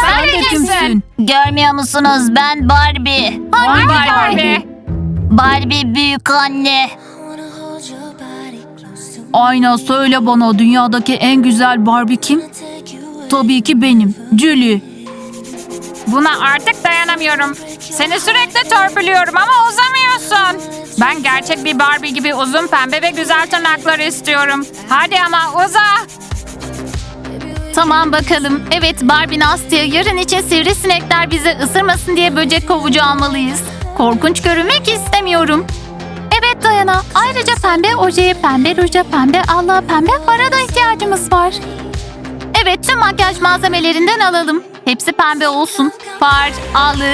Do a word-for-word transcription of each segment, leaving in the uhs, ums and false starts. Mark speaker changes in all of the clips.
Speaker 1: Sen de kimsin?
Speaker 2: Görmüyor musunuz? Ben Barbie.
Speaker 1: Hangi Barbie?
Speaker 2: Barbie büyük anne.
Speaker 1: Ayna, söyle bana, dünyadaki en güzel Barbie kim? Tabii ki benim, Julie.
Speaker 3: Buna artık dayanamıyorum. Seni sürekli törpülüyorum ama uzamıyorsun. Ben gerçek bir Barbie gibi uzun pembe ve güzel tırnakları istiyorum. Hadi ama uza.
Speaker 2: Tamam bakalım. Evet Barbie Nastya, yarın için sivrisinekler bizi ısırmasın diye böcek kovucu almalıyız. Korkunç görünmek istemiyorum. Evet Dayana. Ayrıca pembe ojeye, pembe ruja, pembe allığa, pembe fara da ihtiyacımız var. Evet, tüm makyaj malzemelerinden alalım. Hepsi pembe olsun. Far, allık.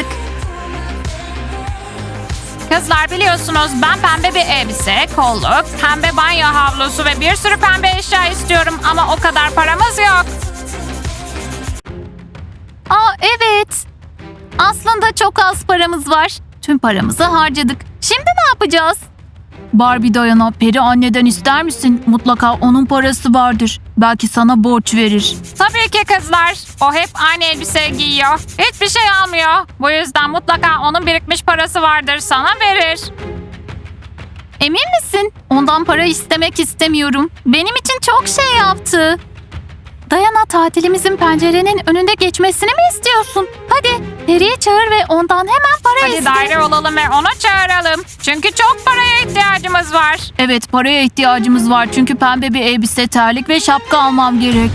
Speaker 3: Kızlar, biliyorsunuz ben pembe bir elbise, kolluk, pembe banyo havlusu ve bir sürü pembe eşya istiyorum ama o kadar paramız yok.
Speaker 2: Aa evet. Aslında çok az paramız var. Tüm paramızı harcadık. Şimdi ne yapacağız?
Speaker 1: Barbie, Dayana, peri anneden ister misin? Mutlaka onun parası vardır. Belki sana borç verir.
Speaker 3: Tabii ki kızlar. O hep aynı elbise giyiyor. Hiçbir şey almıyor. Bu yüzden mutlaka onun birikmiş parası vardır, sana verir.
Speaker 2: Emin misin? Ondan para istemek istemiyorum. Benim için çok şey yaptı. Dayana, tatilimizin pencerenin önünde geçmesini mi istiyorsun? Hadi Peri'yi çağır ve ondan hemen para
Speaker 3: Hadi
Speaker 2: iste.
Speaker 3: daire olalım ve onu çağıralım. Çünkü çok paraya ihtiyacımız var.
Speaker 1: Evet, paraya ihtiyacımız var çünkü pembe bir elbise, terlik ve şapka almam gerek.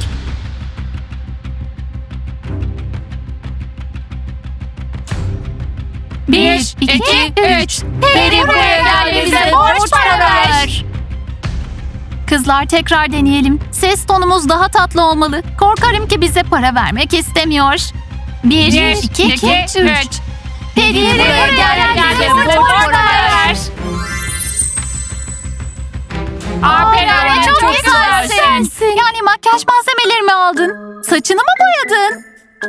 Speaker 2: Bir, iki, üç. Peri buraya gel ve bize borç para ver. Kızlar, tekrar deneyelim. Ses tonumuz daha tatlı olmalı. Korkarım ki bize para vermek istemiyor. Bir,
Speaker 3: Bir,
Speaker 2: iki,
Speaker 3: iki,
Speaker 2: üç.
Speaker 3: üç.
Speaker 2: Peri buraya gel,
Speaker 3: Gel
Speaker 2: bize
Speaker 3: bize
Speaker 2: borç
Speaker 3: borç
Speaker 2: para ver.
Speaker 3: ver. Aa, Peri
Speaker 2: Aa,
Speaker 3: anne,
Speaker 2: çok,
Speaker 3: çok
Speaker 2: güzelsin.
Speaker 3: güzelsin.
Speaker 2: Yani makyaj malzemelerimi aldın. Saçını mı boyadın?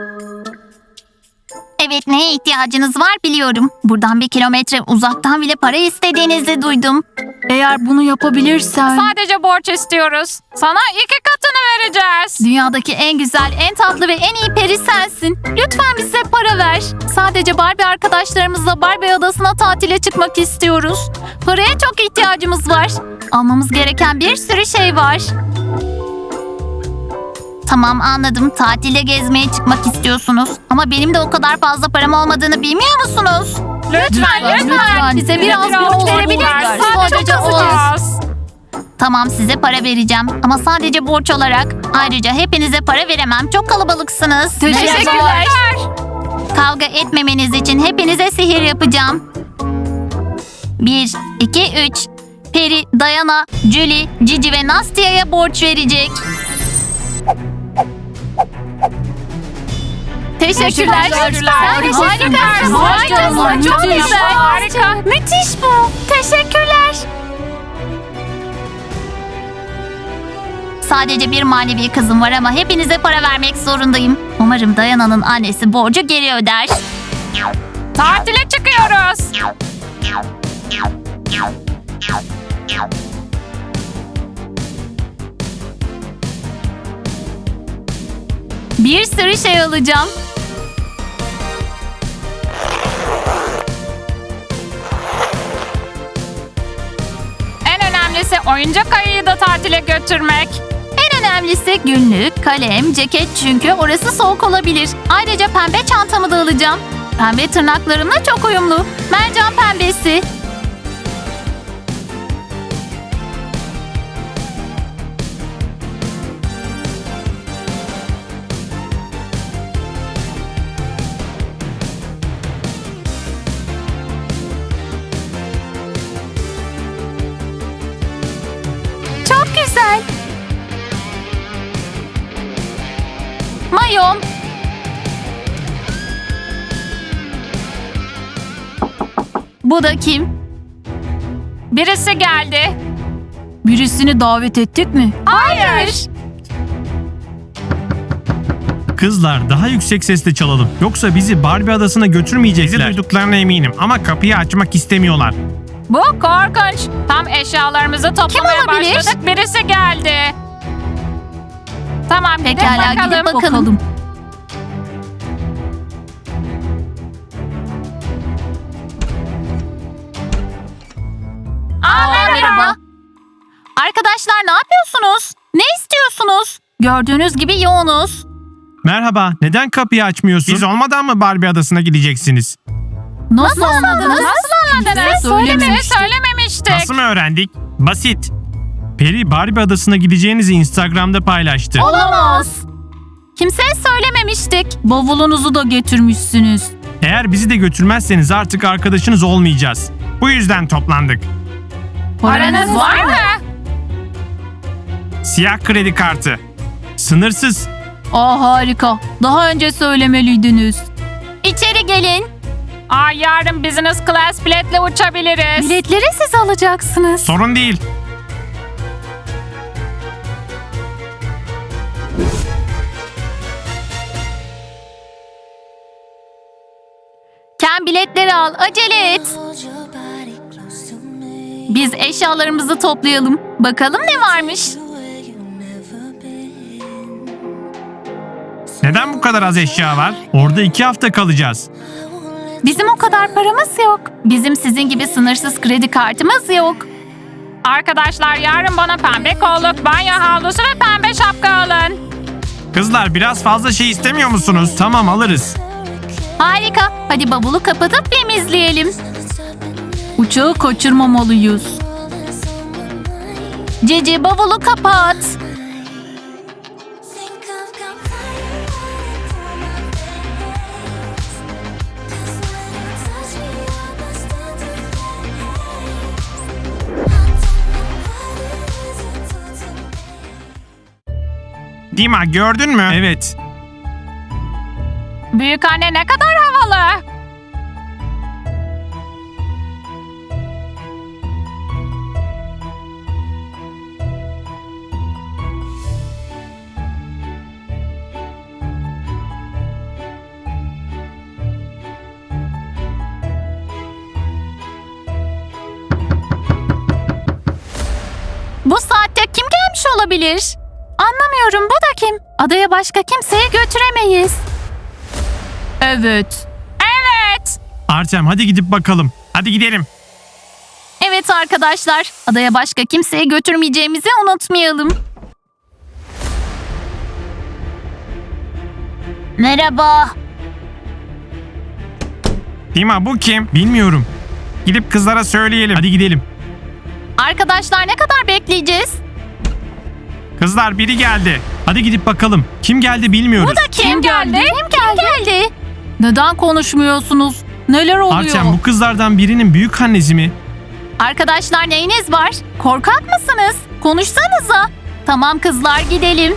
Speaker 2: Evet, neye ihtiyacınız var biliyorum. Buradan bir kilometre uzaktan bile para istediğinizi duydum.
Speaker 1: Eğer bunu yapabilirsen...
Speaker 3: Sadece borç istiyoruz. Sana iki katını vereceğiz.
Speaker 2: Dünyadaki en güzel, en tatlı ve en iyi peri sensin. Lütfen bize para ver. Sadece Barbie arkadaşlarımızla Barbie adasına tatile çıkmak istiyoruz. Paraya çok ihtiyacımız var. Almamız gereken bir sürü şey var. Tamam, anladım. Tatilde gezmeye çıkmak istiyorsunuz. Ama benim de o kadar fazla param olmadığını bilmiyor musunuz?
Speaker 3: Lütfen, lütfen.
Speaker 1: lütfen.
Speaker 2: Bize biraz borç verebilir
Speaker 3: ver.
Speaker 2: misiniz?
Speaker 3: Sadece
Speaker 2: Çok
Speaker 3: çok
Speaker 2: az.
Speaker 3: az.
Speaker 2: Tamam, size para vereceğim. Ama sadece borç olarak. Ayrıca hepinize para veremem. Çok kalabalıksınız.
Speaker 3: Teşekkürler.
Speaker 2: Kavga etmemeniz için hepinize sihir yapacağım. Bir, iki, üç. Peri, Dayana, Julie, Cici ve Nastya'ya borç verecek. Teşekkürler.
Speaker 3: Teşekkürler.
Speaker 2: Harikasın.
Speaker 3: Harikasın.
Speaker 2: Harikasın.
Speaker 3: Harikasın.
Speaker 2: Çok
Speaker 3: Müthiş.
Speaker 2: güzel.
Speaker 3: Harika.
Speaker 2: Müthiş bu. Teşekkürler. Sadece bir manevi kızım var ama hepinize para vermek zorundayım. Umarım Dayana'nın annesi borcu geri öder.
Speaker 3: Tatile çıkıyoruz.
Speaker 2: Bir sürü şey alacağım.
Speaker 3: En önemlisi oyuncak ayıyı da tatile götürmek.
Speaker 2: En önemlisi günlük, kalem, ceket çünkü orası soğuk olabilir. Ayrıca pembe çantamı da alacağım. Pembe tırnaklarımla çok uyumlu. Mercan pembesi. Çok güzel. Mayom. Bu da kim?
Speaker 3: Birisi geldi.
Speaker 1: Birisini davet ettik mi?
Speaker 3: Hayır.
Speaker 4: Kızlar, daha yüksek sesle çalalım. Yoksa bizi Barbie adasına götürmeyecekler. Bizi duyduklarına eminim ama kapıyı açmak istemiyorlar.
Speaker 3: Bu korkunç. Tam eşyalarımızı toplamaya
Speaker 2: olabilir?
Speaker 3: başladık. Birisi geldi. Tamam, gidip
Speaker 2: Pekala,
Speaker 3: bakalım.
Speaker 2: gidip bakalım. Arkadaşlar ne yapıyorsunuz? Ne istiyorsunuz? Gördüğünüz gibi yoğunuz.
Speaker 4: Merhaba, neden kapıyı açmıyorsun? Biz olmadan mı Barbie adasına gideceksiniz?
Speaker 1: Nasıl, anladınız?
Speaker 3: Nasıl anladınız?
Speaker 1: Söylememiştik.
Speaker 3: Söylememiştik.
Speaker 4: Nasıl mı öğrendik? Basit. Peri Barbie adasına gideceğinizi Instagram'da paylaştı.
Speaker 2: Olamaz. Kimseye söylememiştik.
Speaker 1: Bavulunuzu da getirmişsiniz.
Speaker 4: Eğer bizi de götürmezseniz artık arkadaşınız olmayacağız. Bu yüzden toplandık.
Speaker 3: Paranız var mı?
Speaker 4: Siyah kredi kartı. Sınırsız.
Speaker 1: Aa harika. Daha önce söylemeliydiniz.
Speaker 2: İçeri gelin.
Speaker 3: Aa, yarın business class biletle uçabiliriz.
Speaker 2: Biletleri siz alacaksınız.
Speaker 4: Sorun değil.
Speaker 2: Ken biletleri al. Acele et. Biz eşyalarımızı toplayalım. Bakalım ne varmış.
Speaker 4: Neden bu kadar az eşya var? Orada iki hafta kalacağız.
Speaker 2: Bizim o kadar paramız yok. Bizim sizin gibi sınırsız kredi kartımız yok.
Speaker 3: Arkadaşlar yarın bana pembe kolluk, banyo havlusu ve pembe şapka alın.
Speaker 4: Kızlar biraz fazla şey istemiyor musunuz? Tamam alırız.
Speaker 2: Harika. Hadi bavulu kapatıp temizleyelim.
Speaker 1: Uçağı kaçırmamalıyız.
Speaker 2: Cici bavulu kapat.
Speaker 4: Dima gördün mü? Evet.
Speaker 3: Büyük anne ne kadar havalı.
Speaker 2: Bu saatte kim gelmiş olabilir? Anlamıyorum, bu da kim? Adaya başka kimseyi götüremeyiz.
Speaker 1: Evet.
Speaker 3: Evet.
Speaker 4: Artem hadi gidip bakalım. Hadi gidelim.
Speaker 2: Evet arkadaşlar, adaya başka kimseyi götürmeyeceğimizi unutmayalım. Merhaba.
Speaker 4: Dima bu kim? Bilmiyorum. Gidip kızlara söyleyelim. Hadi gidelim.
Speaker 2: Arkadaşlar ne kadar bekleyeceğiz?
Speaker 4: Kızlar biri geldi. Hadi gidip bakalım. Kim geldi bilmiyoruz.
Speaker 2: Bu da kim,
Speaker 1: Kim
Speaker 2: geldi?
Speaker 1: geldi?
Speaker 2: Kim geldi? geldi?
Speaker 1: Neden konuşmuyorsunuz? Neler oluyor?
Speaker 4: Artem bu kızlardan birinin büyük annesi mi?
Speaker 2: Arkadaşlar neyiniz var? Korkak mısınız? Konuşsanıza. Tamam kızlar, gidelim.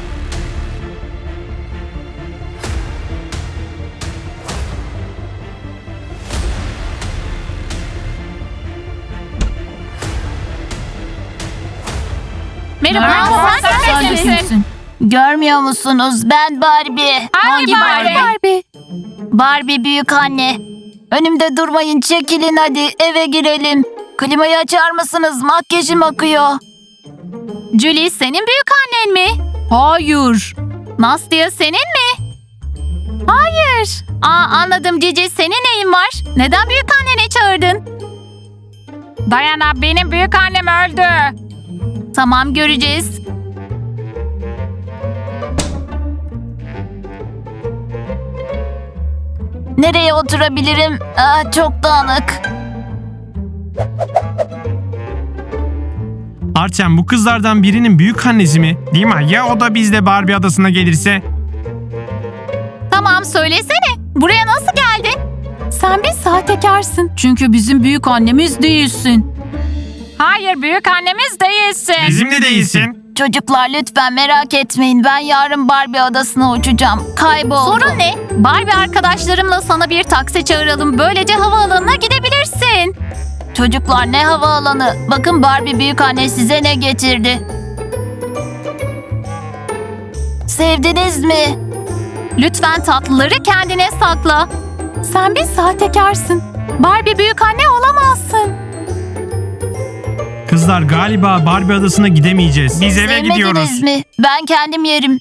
Speaker 2: Merhaba,
Speaker 3: Merhaba,
Speaker 2: sen,
Speaker 3: sen
Speaker 2: de
Speaker 3: de
Speaker 2: kimsin?
Speaker 3: kimsin?
Speaker 2: Görmüyor musunuz? Ben Barbie.
Speaker 3: Hangi Barbie?
Speaker 2: Barbie? Barbie büyük anne. Önümde durmayın, çekilin hadi, eve girelim. Klimayı açar mısınız? Makyajım akıyor. Julie senin büyük annen mi?
Speaker 1: Hayır.
Speaker 2: Nastya senin mi? Hayır. Aa anladım Cici, senin neyin var? Neden büyük anneni çağırdın?
Speaker 3: Dayana, benim büyük annem öldü.
Speaker 2: Tamam, göreceğiz. Nereye oturabilirim? Aa, çok dağınık.
Speaker 4: Artem bu kızlardan birinin büyük annesi mi? Dima ya o da bizle Barbie adasına gelirse?
Speaker 2: Tamam, söylesene. Buraya nasıl geldin? Sen bir sahtekarsın.
Speaker 1: Çünkü bizim büyük annemiz değilsin.
Speaker 3: Hayır, büyük annemiz değilsin.
Speaker 4: Bizimle değilsin.
Speaker 2: Çocuklar lütfen merak etmeyin. Ben yarın Barbie adasına uçacağım. Kayboldu. Sorun ne? Barbie arkadaşlarımla sana bir taksi çağıralım. Böylece havaalanına gidebilirsin. Çocuklar ne havaalanı? Bakın Barbie büyükanne size ne getirdi. Sevdiniz mi? Lütfen tatlıları kendine sakla. Sen bir sahtekarsın. Barbie büyükanne olamazsın.
Speaker 4: Kızlar galiba Barbie adasına gidemeyeceğiz. Biz eve
Speaker 2: Sevmediniz
Speaker 4: gidiyoruz.
Speaker 2: mi? Ben kendim yerim.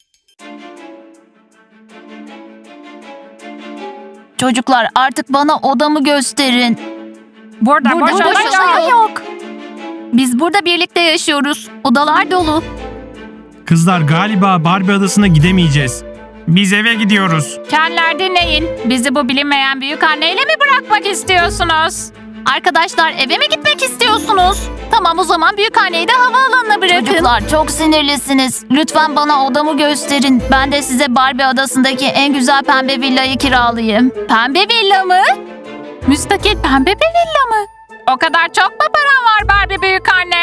Speaker 2: Çocuklar artık bana odamı gösterin.
Speaker 3: Burada,
Speaker 2: Burada
Speaker 3: boş
Speaker 2: boş
Speaker 3: oda
Speaker 2: oda
Speaker 3: yok.
Speaker 2: yok. Biz burada birlikte yaşıyoruz. Odalar dolu.
Speaker 4: Kızlar galiba Barbie adasına gidemeyeceğiz. Biz eve gidiyoruz.
Speaker 3: Kendiler dinleyin. Bizi bu bilinmeyen büyük anneyle mi bırakmak istiyorsunuz?
Speaker 2: Arkadaşlar eve mi gitmek istiyorsunuz? Tamam o zaman büyükanneyi de havaalanına bırakın. Çocuklar çok sinirlisiniz. Lütfen bana odamı gösterin. Ben de size Barbie adasındaki en güzel pembe villayı kiralayayım. Pembe villa mı? Müstakil pembe bir villa mı?
Speaker 3: O kadar çok mu paran var Barbie büyük anne?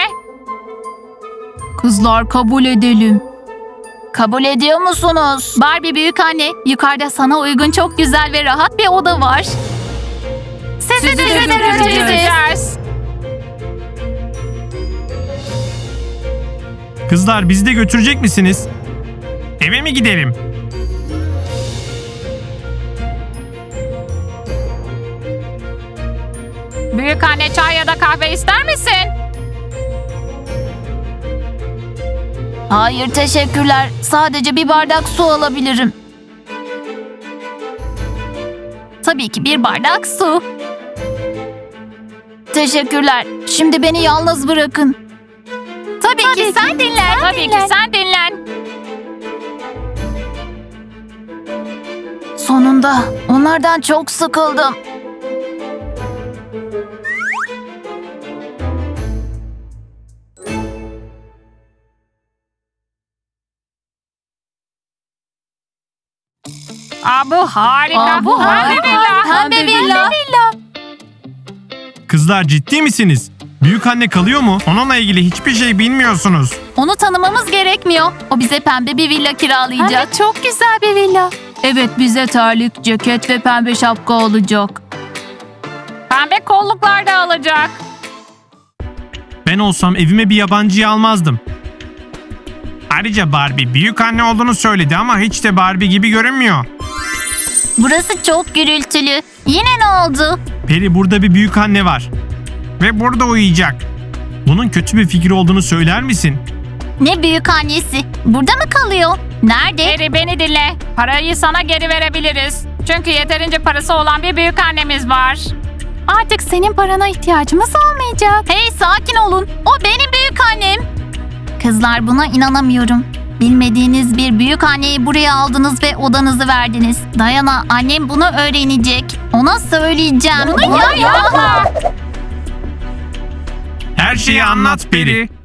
Speaker 1: Kızlar kabul edelim.
Speaker 2: Kabul ediyor musunuz? Barbie büyükanne, yukarıda sana uygun çok güzel ve rahat bir oda var. Sizi,
Speaker 1: Sizi de
Speaker 2: de
Speaker 1: göreceğiz.
Speaker 3: Göreceğiz.
Speaker 4: Kızlar bizi de götürecek misiniz? Eve mi gidelim?
Speaker 3: Büyük anne çay ya da kahve ister misin?
Speaker 2: Hayır teşekkürler. Sadece bir bardak su alabilirim. Tabii ki bir bardak su. Teşekkürler. Şimdi beni yalnız bırakın. Tabii, ki sen dinlen.
Speaker 3: Tabii ki sen dinlen.
Speaker 2: Sonunda onlardan çok sıkıldım.
Speaker 3: Aa, bu harika.
Speaker 2: Aa, bu
Speaker 3: Pembe
Speaker 2: harika.
Speaker 3: villa.
Speaker 2: Pembe villa.
Speaker 4: Kızlar ciddi misiniz? Büyük anne kalıyor mu? Onunla ilgili hiçbir şey bilmiyorsunuz.
Speaker 2: Onu tanımamız gerekmiyor. O bize pembe bir villa kiralayacak. çok güzel bir villa.
Speaker 1: Evet bize terlik, ceket ve pembe şapka olacak.
Speaker 3: Pembe kolluklar da alacak.
Speaker 4: Ben olsam evime bir yabancıyı almazdım. Ayrıca Barbie büyük anne olduğunu söyledi ama hiç de Barbie gibi görünmüyor.
Speaker 2: Burası çok gürültülü. Yine ne oldu?
Speaker 4: Peri burada bir büyük anne var. Ve burada uyuyacak. Bunun kötü bir fikir olduğunu söyler misin?
Speaker 2: Ne büyük annesi? Burada mı kalıyor? Nerede?
Speaker 3: Geri beni dinle. Parayı sana geri verebiliriz. Çünkü yeterince parası olan bir büyük annemiz var.
Speaker 2: Artık senin parana ihtiyacımız olmayacak. Hey sakin olun. O benim büyük annem. Kızlar buna inanamıyorum. Bilmediğiniz bir büyük anneyi buraya aldınız ve odanızı verdiniz. Dayana annem bunu öğrenecek. Ona söyleyeceğim. Bunu
Speaker 3: yapma.
Speaker 4: Her şeyi anlat Peri.